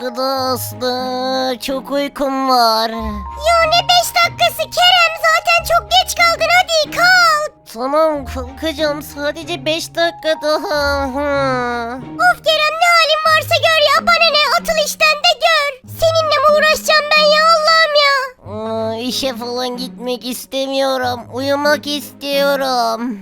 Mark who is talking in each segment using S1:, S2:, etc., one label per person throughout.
S1: dakika daha Aslı. Çok uykum var.
S2: Ya ne 5 dakikası Kerem, zaten çok geç kaldın, hadi kalk.
S1: Tamam kalkacağım, sadece 5 dakika daha.
S2: Of Kerem, ne halin varsa gör ya, bana ne, atıl işten de gör. Seninle mi uğraşacağım ben ya, Allah'ım ya.
S1: İşe falan gitmek istemiyorum. Uyumak istiyorum.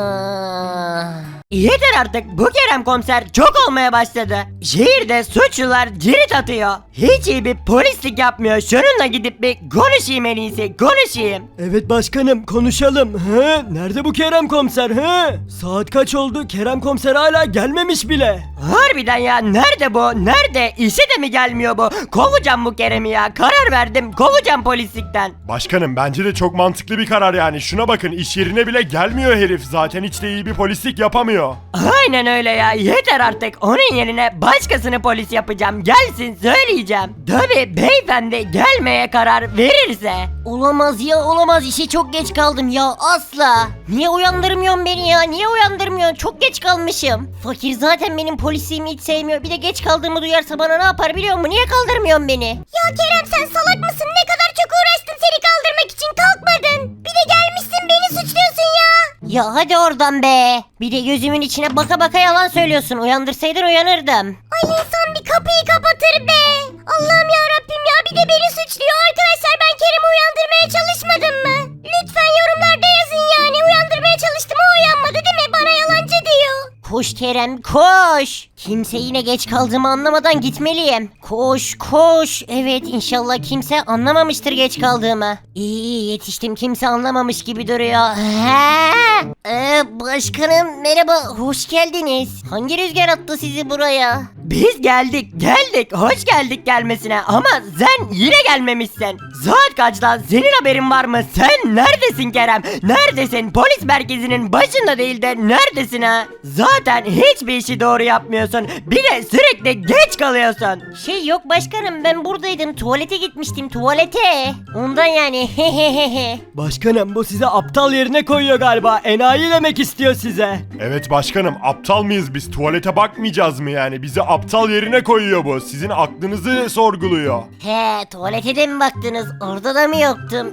S3: Yeter artık, bu Kerem komiser çok olmaya başladı. Şehirde suçlular cirit atıyor. Hiç iyi bir polislik yapmıyor. Şununla gidip bir konuşayım, en iyisi konuşayım.
S4: Evet başkanım, konuşalım. Nerede bu Kerem komiser? Saat kaç oldu? Kerem komiser hala gelmemiş bile.
S3: Harbiden ya, nerede bu? Nerede? İşe de mi gelmiyor bu? Kovacağım bu Kerem'i ya. Karar verdim, kovacağım polislikten.
S5: Başkanım bence de çok mantıklı bir karar yani. Şuna bakın, iş yerine bile gelmiyor herif. Zaten hiç de iyi bir polislik yapamıyor.
S3: Aynen öyle ya, yeter artık. Onun yerine başkasını polis yapacağım. Gelsin, söyleyeceğim. Tabii beyefendi gelmeye karar verirse.
S1: Olamaz ya, olamaz, işe çok geç kaldım ya asla. Niye uyandırmıyorsun beni ya, niye uyandırmıyorsun, çok geç kalmışım. Fakir zaten benim polisliğimi hiç sevmiyor, bir de geç kaldığımı duyarsa bana ne yapar biliyor musun, niye kaldırmıyorsun beni?
S2: Ya Kerem, sen salak mısın? Ne kadar çok uğraştım seni kaldırmak için, kalkmadın. Bir de gelmişsin beni suçluyorsun ya.
S1: Ya hadi oradan be, bir de gözümün içine baka baka yalan söylüyorsun, uyandırsaydın uyanırdım.
S2: Ay, insan bir kapıyı kapatır be. Allah'ım ya Rabbim ya, bir de beni suçluyor. Arkadaşlar, ben Kerem'i uyandırmaya çalışmadım mı? Lütfen yorumlarda yazın yani. Uyandırmaya çalıştım, o uyanmadı değil mi? Bana yalancı diyor.
S1: Koş Kerem koş. Kimse yine geç kaldığımı anlamadan gitmeliyim. Koş koş. Evet, inşallah kimse anlamamıştır geç kaldığımı. İyi yetiştim, kimse anlamamış gibi duruyor. Başkanım merhaba, hoş geldiniz. Hangi rüzgar attı sizi buraya?
S3: Biz geldik, hoş geldik gelmesine, ama sen yine gelmemişsin. Saat kaç lan, senin haberin var mı? Sen neredesin Kerem? Neredesin? Polis merkezinin başında değil de neredesin ha? Zaten hiçbir işi doğru yapmıyorsun. Bir de sürekli geç kalıyorsun.
S1: Yok başkanım, ben buradaydım, tuvalete gitmiştim, tuvalete. Ondan yani.
S4: Başkanım, bu size aptal yerine koyuyor galiba. Enayi demek istiyor size.
S5: Evet başkanım, aptal mıyız biz? Tuvalete bakmayacağız mı yani? Bizi aptal yerine koyuyor bu. Sizin aklınızı sorguluyor.
S1: Tuvalete de mi baktınız? Orada da mı yoktum?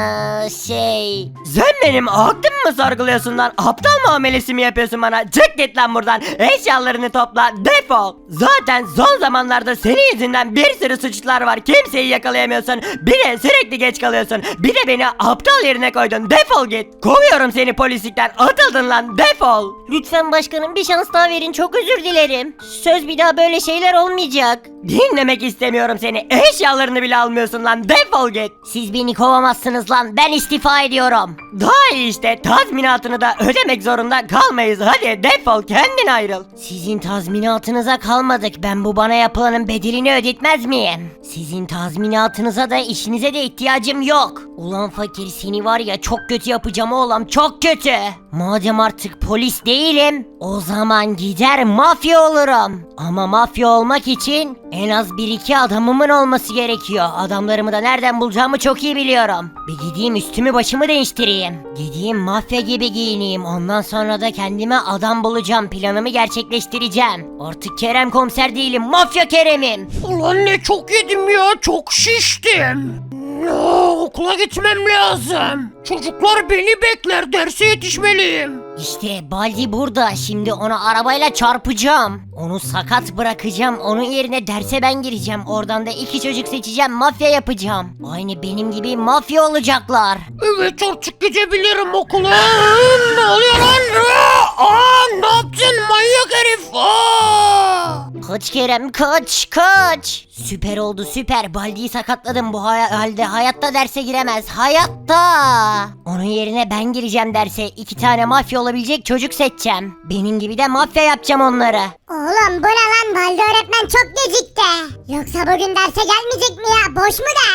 S3: Sen benim aklımı mı sorguluyorsun lan? Aptal muamelesi mi yapıyorsun bana? Çık git lan buradan. Eşyalarını topla, defol. Zaten son zamanlarda senin yüzünden bir sürü suçlular var. Kimseyi yakalayamıyorsun. Bir de sürekli geç kalıyorsun. Bir de beni aptal yerine koydun. Defol git. Kovuyorum seni polislikten. Atıldın lan. Defol.
S1: Lütfen başkanım, bir şans daha verin, çok özür dilerim. Söz bir daha böyle şeyler olmayacak.
S3: Dinlemek istemiyorum seni. Eşyalarını bile almıyorsun lan. Defol git.
S1: Siz beni kovamazsınız lan, ben istifa ediyorum.
S3: Daha iyi işte. Tazminatını da ödemek zorunda kalmayız. Hadi defol, kendin ayrıl.
S1: Sizin tazminatınıza kalmadık, ben bu bana yapılanın bedelini ödetmez miyim? Sizin tazminatınıza da işinize de ihtiyacım yok. Ulan fakir, seni var ya çok kötü yapacağım oğlum, çok kötü. Madem artık polis değilim, o zaman gider mafya olurum. Ama mafya olmak için en az 1-2 adamımın olması gerekiyor. Adamlarımı da nereden bulacağımı çok iyi biliyorum. Bir gideyim üstümü başımı değiştireyim. Gideyim mafya gibi giyineyim. Ondan sonra da kendime adam bulacağım. Planımı gerçekleştireceğim. Artık Kerem komiser değilim, mafya Kerem'im.
S6: Ulan ne çok yedim ya, çok şiştim. Ya, okula gitmem lazım. Çocuklar beni bekler, derse yetişmeliyim.
S1: İşte Baldi burada. Şimdi onu arabayla çarpacağım. Onu sakat bırakacağım. Onun yerine derse ben gireceğim. Oradan da 2 çocuk seçeceğim. Mafya yapacağım. Aynı benim gibi mafya olacaklar.
S6: Evet, artık gidebilirim okula. Ne oluyor lan? Ne yaptın manyak herif?
S1: Kaç Kerem, kaç. Süper oldu, süper. Baldi'yi sakatladım, bu halde hayatta derse giremez. Hayatta. Onun yerine ben gireceğim derse. 2 tane mafya olabilecek çocuk seçeceğim. Benim gibi de mafya yapacağım onları.
S2: Oğlum bu ne lan? Balde öğretmen çok gecikti. Yoksa bugün derse gelmeyecek mi ya? Boş mu ders?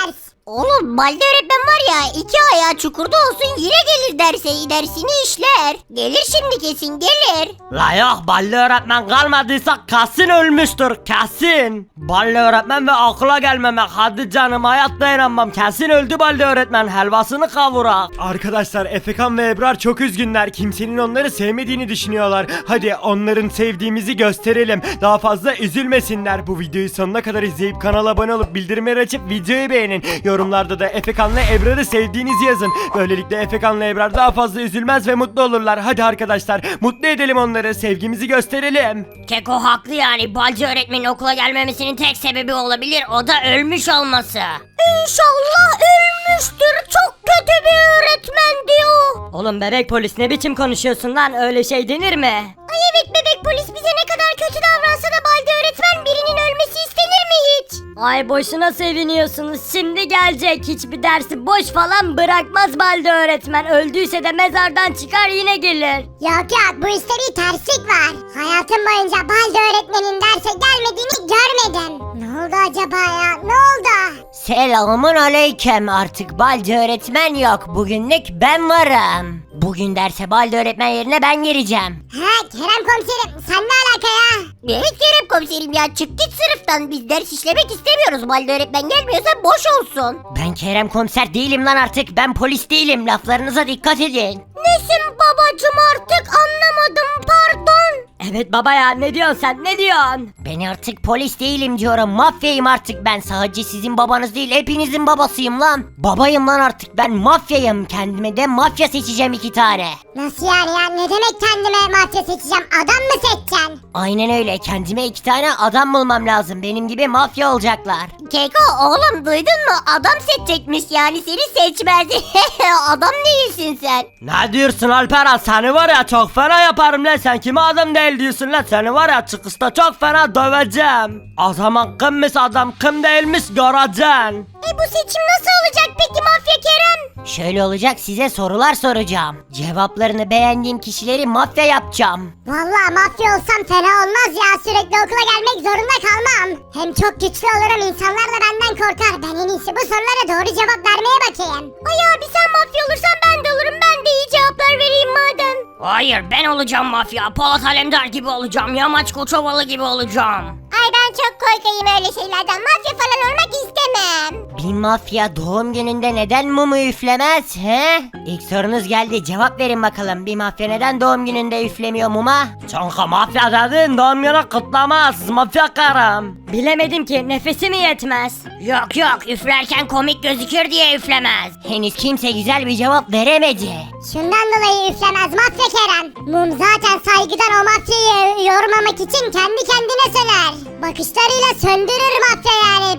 S2: Oğlum Balde öğretmen var ya 2 ayağı çukurda olsun yine gelir dersini işler. Gelir şimdi kesin gelir.
S3: La yok, Balli öğretmen kalmadıysa kesin ölmüştür, kesin. Balli öğretmen ve akla gelmemek, hadi canım, hayatta inanmam, kesin öldü Balli öğretmen, helvasını kavurak.
S4: Arkadaşlar Efekan ve Ebrar çok üzgünler. Kimsenin onları sevmediğini düşünüyorlar. Hadi onların sevdiğimizi gösterelim. Daha fazla üzülmesinler. Bu videoyu sonuna kadar izleyip kanala abone olup bildirimleri açıp videoyu beğenin. Yorumlarda da Efekan'la Ebrar'ı sevdiğinizi yazın. Böylelikle Efekan'la Ebrar daha fazla üzülmez ve mutlu olurlar. Hadi arkadaşlar mutlu edelim onları. Sevgimizi gösterelim.
S1: Keko haklı yani. Balcı öğretmenin okula gelmemesinin tek sebebi olabilir. O da ölmüş olması.
S2: İnşallah ölmüştür. Çok kötü bir öğretmen diyor.
S3: Oğlum bebek polis, ne biçim konuşuyorsun lan, öyle şey denir mi?
S2: Ay evet bebek polis bize ne kadar kötü davransa da Balde öğretmen birinin ölmesi istenir mi hiç?
S1: Ay boşuna seviniyorsunuz. Şimdi gelecek. Hiçbir dersi boş falan bırakmaz Balde öğretmen. Öldüyse de mezardan çıkar yine gelir.
S2: Yok bu işte bir terslik var. Hayatım boyunca Balde öğretmenin derse gelmediğini görmedim. Ne oldu acaba ya ne oldu?
S1: Selamun aleyküm. Artık Balcı öğretmen yok. Bugünlük ben varım. Bugün derse Balcı öğretmen yerine ben gireceğim.
S2: He Kerem komiserim sen ne alaka ya? Evet Kerem komiserim ya çık git sınıftan biz ders işlemek istemiyoruz. Balde öğretmen gelmiyorsa boş olsun.
S1: Ben Kerem komiser değilim lan artık. Ben polis değilim. Laflarınıza dikkat edin.
S2: Nesin babacım artık anlamadım pardon.
S1: Evet baba ya, ne diyorsun sen, ne diyorsun? Ben artık polis değilim diyorum, mafyayım artık ben. Sadece sizin babanız değil, hepinizin babasıyım lan. Babayım lan artık ben, mafyayım. Kendime de mafya seçeceğim 2 tane.
S2: Nasıl yani ya ne demek kendime mafya seçeceğim adam mı seçeceksin?
S1: Aynen öyle, kendime 2 tane adam bulmam lazım. Benim gibi mafya olacaklar.
S2: Keko oğlum duydun mu adam seçecekmiş yani seni seçmez. Adam değilsin sen.
S3: Ne diyorsun Alperen, seni var ya çok fena yaparım lan, sen kime adam değil diyorsun lan, seni var ya çıkışta çok fena döveceğim. O zaman kimmiş adam kim değilmiş göreceksin.
S2: Bu seçim nasıl olacak peki mafya Kerem?
S1: Şöyle olacak, size sorular soracağım. Cevaplarını beğendiğim kişileri mafya yapacağım.
S2: Vallahi mafya olsam fena olmaz ya sürekli okula gelmek zorunda kalmam. Hem çok güçlü olurum insanlar da benden korkar. Ben en iyisi bu sorulara doğru cevap vermeye bakayım. Ay abi sen mafya olursan ben de olurum ben de iyi cevaplar vereyim madem.
S1: Hayır, ben olacağım mafya. Polat Alemdar gibi olacağım. Yamaç Koçovalı gibi olacağım.
S2: Ay ben çok korkayım öyle şeylerden mafya falan olmak istemem.
S1: Bir mafya doğum gününde neden mumu üflemez he? İlk sorunuz geldi, cevap verin bakalım. Bir mafya neden doğum gününde üflemiyor muma?
S3: Çünkü mafya dedin doğum günü kutlamaz, mafya karım.
S1: Bilemedim ki, nefesi mi yetmez? Yok yok, üflerken komik gözükür diye üflemez. Henüz kimse güzel bir cevap veremedi.
S2: Şundan dolayı üflemez mafya Kerem. Mum zaten saygıdan o mafyayı yormamak için kendi kendine söner. Bakışlarıyla söndürür mafya yani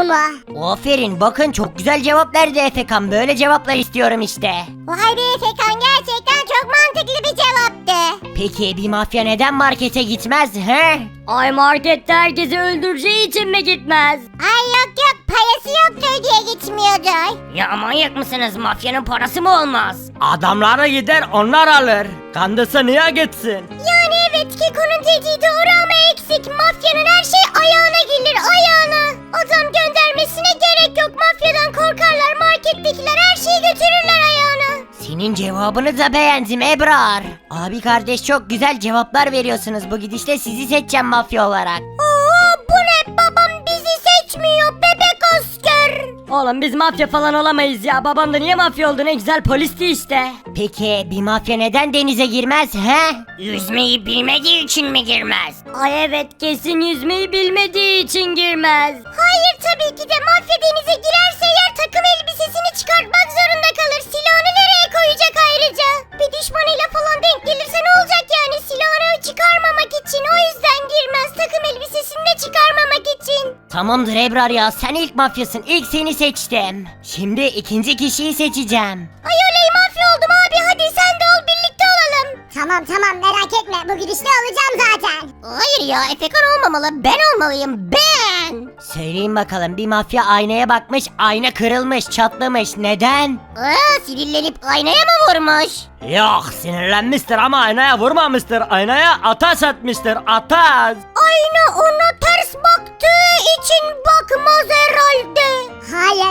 S2: mumu.
S1: Aferin, bakın çok güzel cevap verdi Efekan. Böyle cevaplar istiyorum işte.
S2: Vay be Fekan gerçekten çok mantıklı bir cevaptı.
S1: Peki bir mafya neden markete gitmez he? Ay markette herkesi öldüreceği için mi gitmez?
S2: Ay yok parası yoktur diye gitmiyordur.
S1: Ya manyak mısınız? Mafyanın parası mı olmaz?
S3: Adamları gider onlar alır. Kandısı niye gitsin?
S2: Yani evet Keko'nun dediği doğru ama eksik. Mafyanın her şey ayağına gelir ayağına. Adam göndermesine gerek yok. Mafyadan korkarlar. Markettekiler her şeyi götürürler ayağına.
S1: Senin cevabını da beğendim Ebrar. Abi kardeş çok güzel cevaplar veriyorsunuz. Bu gidişle sizi seçeceğim mafya olarak.
S2: Oo bu ne babam bizi seçmiyor bebek asker.
S1: Oğlum biz mafya falan olamayız ya. Babam da niye mafya oldu, ne güzel polisti işte. Peki bir mafya neden denize girmez he? Yüzmeyi bilmediği için mi girmez? Ay evet, kesin yüzmeyi bilmediği için girmez.
S2: Hayır tabii ki de mafya denize girerse eğer takım elbisesini çıkartmak zorunda kalır. Silahını nereye koyacak ayrıca? Bir düşmanıyla falan denk gelirse ne olacak yani silahını çıkarmamak için o yüzden girmez takım elbisesini de çıkarmamak için.
S1: Tamamdır Ebrar ya, sen ilk mafyasın, ilk seni seçtim. Şimdi ikinci kişiyi seçeceğim.
S2: Ay oley mafya oldum abi hadi sen de ol birlikte olalım. Tamam merak etme bu gidişle olacağım zaten. Hayır ya Efekan olmamalı ben olmalıyım ben.
S1: Söyleyin bakalım, bir mafya aynaya bakmış, ayna kırılmış, çatlamış. Neden?
S2: Sinirlenip aynaya mı vurmuş?
S3: Yok, sinirlenmiştir ama aynaya vurmamıştır. Aynaya ateş etmiştir, ateş.
S2: Ayna ona ters baktığı için bakmaz herhalde. Hayır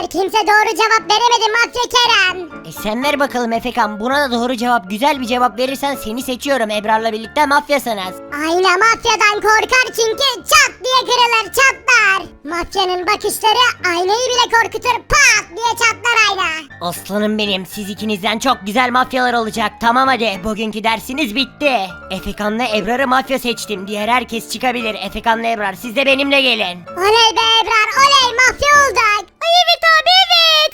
S2: Hayır kimse doğru cevap veremedi Mafya Kerem.
S1: Sen ver bakalım Efekan, buna da doğru cevap, güzel bir cevap verirsen seni seçiyorum. Ebrar'la birlikte mafyasınız.
S2: Ayna mafyadan korkar çünkü çat diye kırılır çatlar. Mafyanın bakışları aynayı bile korkutur pat diye çatlar ayna.
S1: Aslanım benim, siz ikinizden çok güzel mafyalar olacak. Tamam hadi, bugünkü dersiniz bitti. Efekan'la Ebrar'ı mafya seçtim. Diğer herkes çıkabilir. Efekan'la Ebrar siz de benimle gelin.
S2: Oley be Ebrar oley mafya olduk. Ay evet abi evet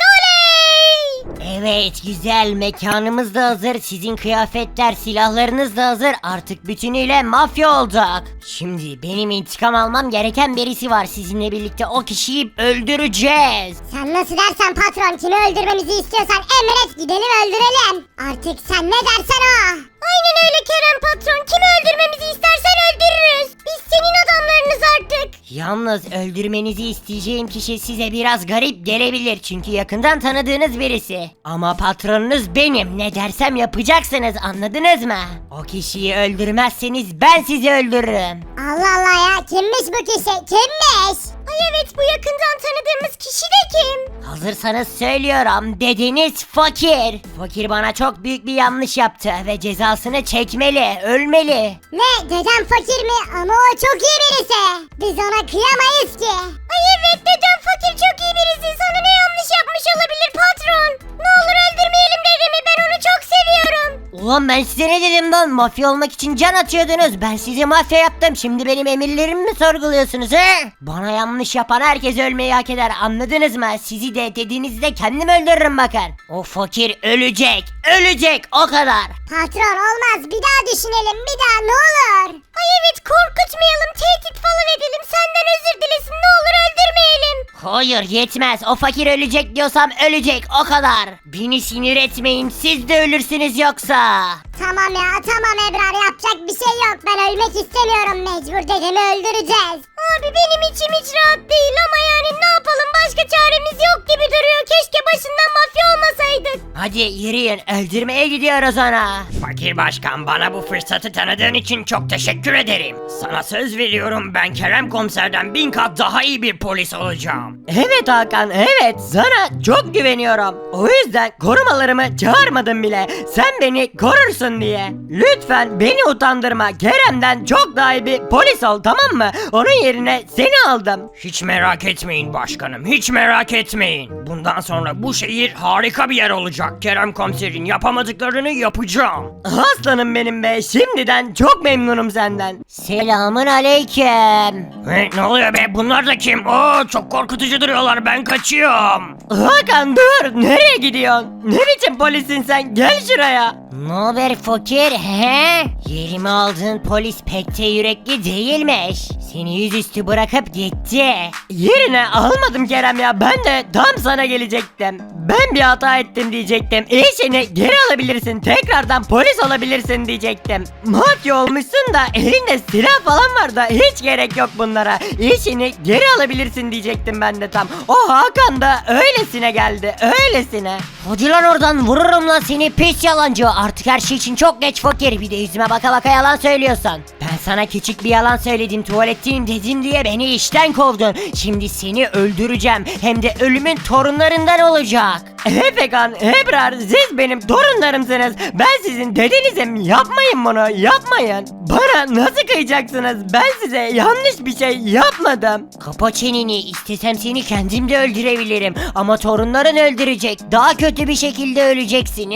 S2: oley.
S1: Evet güzel, mekanımız da hazır. Sizin kıyafetler, silahlarınız da hazır. Artık bütünüyle mafya olduk. Şimdi benim intikam almam gereken birisi var. Sizinle birlikte o kişiyi öldüreceğiz.
S2: Sen nasıl dersen patron kimi öldürmemizi istiyorsan emret gidelim öldürelim. Artık sen ne dersen o. Aynen öyle Kerem patron kimi öldürmemizi istersen öldürürüz. Biz senin adamlarınız artık.
S1: Yalnız öldürmenizi isteyeceğim kişi size biraz garip gelebilir. Çünkü yakından tanıdığınız birisi. Ama patronunuz benim. Ne dersem yapacaksınız, anladınız mı? O kişiyi öldürmezseniz ben sizi öldürürüm.
S2: Allah Allah ya kimmiş bu kişi kimmiş? Ay evet bu yakından tanıdığımız kişi de kim?
S1: Hazırsanız söylüyorum. Dedeniz Fakir. Fakir bana çok büyük bir yanlış yaptı ve cezasını çekmeli, ölmeli.
S2: Ne dedem fakir mi? Ama o çok iyi birisi. Biz ona kıyamayız ki. Ay evet dedem fakir çok iyi birisi. Sana ne yanlış yapmış olabilir patron? Ne olur öldürmeyelim dedemi ben onu çok seviyorum.
S1: Ulan ben size ne dedim lan? Mafya olmak için can atıyordunuz. Ben sizi mafya yaptım. Şimdi benim emirlerimi mi sorguluyorsunuz he? Bana yanlış yapan herkes ölmeyi hak eder. Anladınız mı? Sizi de dediğinizde kendim öldürürüm bakın. O fakir ölecek. Ölecek o kadar.
S2: Patron olmaz bir daha düşünelim bir daha ne olur. Ay evet korkutmayalım tehdit falan edelim senden özür dilesin ne olur öldürmeyelim.
S1: Hayır yetmez. O fakir ölecek diyorsam ölecek o kadar. Beni sinir etmeyin. Siz de ölürsünüz yoksa.
S2: Tamam ya tamam Ebrar yapacak bir şey yok ben ölmek istemiyorum mecbur dedemi öldüreceğiz. Abi benim içim hiç rahat değil ama yani ne yapalım başka çaremiz yok gibi duruyor keşke başından mafya olmasaydık.
S1: Hadi yürüyün. Öldürmeye gidiyoruz ona.
S3: Fakir başkan, bana bu fırsatı tanıdığın için çok teşekkür ederim. Sana söz veriyorum, ben Kerem komiserden 1000 kat daha iyi bir polis olacağım.
S1: Evet Hakan, evet, sana çok güveniyorum. O yüzden korumalarımı çağırmadım bile. Sen beni korursun diye. Lütfen beni utandırma. Kerem'den çok daha iyi bir polis ol, tamam mı? Onun yerine seni aldım.
S3: Hiç merak etmeyin başkanım, hiç merak etmeyin. Bundan sonra bu şehir harika bir yer olacak. Kerem komiserin yapamadıklarını yapacağım.
S1: Aslanım benim be. Şimdiden çok memnunum senden. Selamun aleyküm.
S3: Ne oluyor be, bunlar da kim? Oo, çok korkutucu duruyorlar, ben kaçıyorum.
S1: Hakan dur. Nereye gidiyorsun? Ne biçim polissin sen? Gel şuraya. Ne haber fakir he? Yerimi aldığın polis pek de yürekli değilmiş. Seni yüzüstü bırakıp gitti. Yerine almadım Kerem ya. Ben de tam sana gelecektim. Ben bir hata ettim diyecektim. İşini geri alabilirsin. Tekrardan polis olabilirsin diyecektim. Mafya olmuşsun da elinde silah falan var da hiç gerek yok bunlara. İşini geri alabilirsin diyecektim ben de tam. O Hakan da öylesine geldi. Öylesine. Hadi lan oradan, vururum lan seni pis yalancı. Artık her şey için çok geç fakir. Bir de yüzüme baka baka yalan söylüyorsun. Ben sana küçük bir yalan söyledim. Tuvaletteyim dedim diye beni işten kovdun. Şimdi seni öldüreceğim. Hem de ölümün torunlarından olacak. Efekan, Ebrar, siz benim torunlarımsınız. Ben sizin dedenizim. Yapmayın bunu, yapmayın. Bana nasıl kıyacaksınız? Ben size yanlış bir şey yapmadım. Kapa çeneni. İstesem seni kendim de öldürebilirim. Ama torunların öldürecek. Daha kötü bir şekilde öleceksin.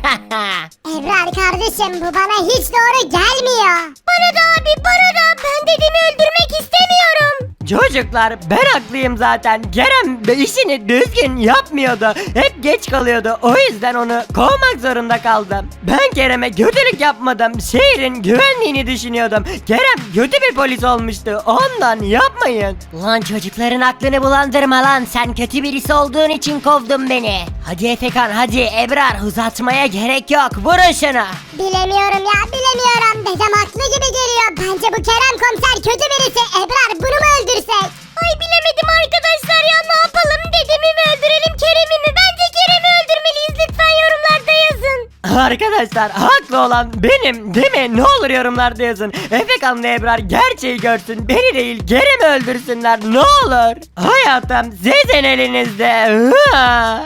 S2: Ebrar kardeşim bu bana hiç doğru gelmiyor. Bana da abi bana da ben dedemi öldürmek istemiyorum.
S1: Çocuklar, ben haklıyım zaten. Kerem işini düzgün yapmıyordu. Hep geç kalıyordu. O yüzden onu kovmak zorunda kaldım. Ben Kerem'e kötülük yapmadım. Şehrin güvenliğini düşünüyordum. Kerem kötü bir polis olmuştu. Ondan yapmayın. Lan çocukların aklını bulandırma lan. Sen kötü birisi olduğun için kovdun beni. Hadi Efekan, hadi Ebrar, uzatmaya gerek yok. Vurun şunu.
S2: Bilemiyorum ya bilemiyorum dedem haklı gibi geliyor. Bence bu Kerem komiser kötü birisi. Ebrar bunu mu öldürsek? Ay bilemedim arkadaşlar ya ne yapalım dedemi mi öldürelim Kerem'i mi? Bence Kerem'i öldürmeliyiz lütfen yorumlarda yazın.
S3: Arkadaşlar haklı olan benim değil mi? Ne olur yorumlarda yazın. Efekan'la Ebrar gerçeği görsün. Beni değil Kerem'i öldürsünler ne olur. Hayatım sizin elinizde.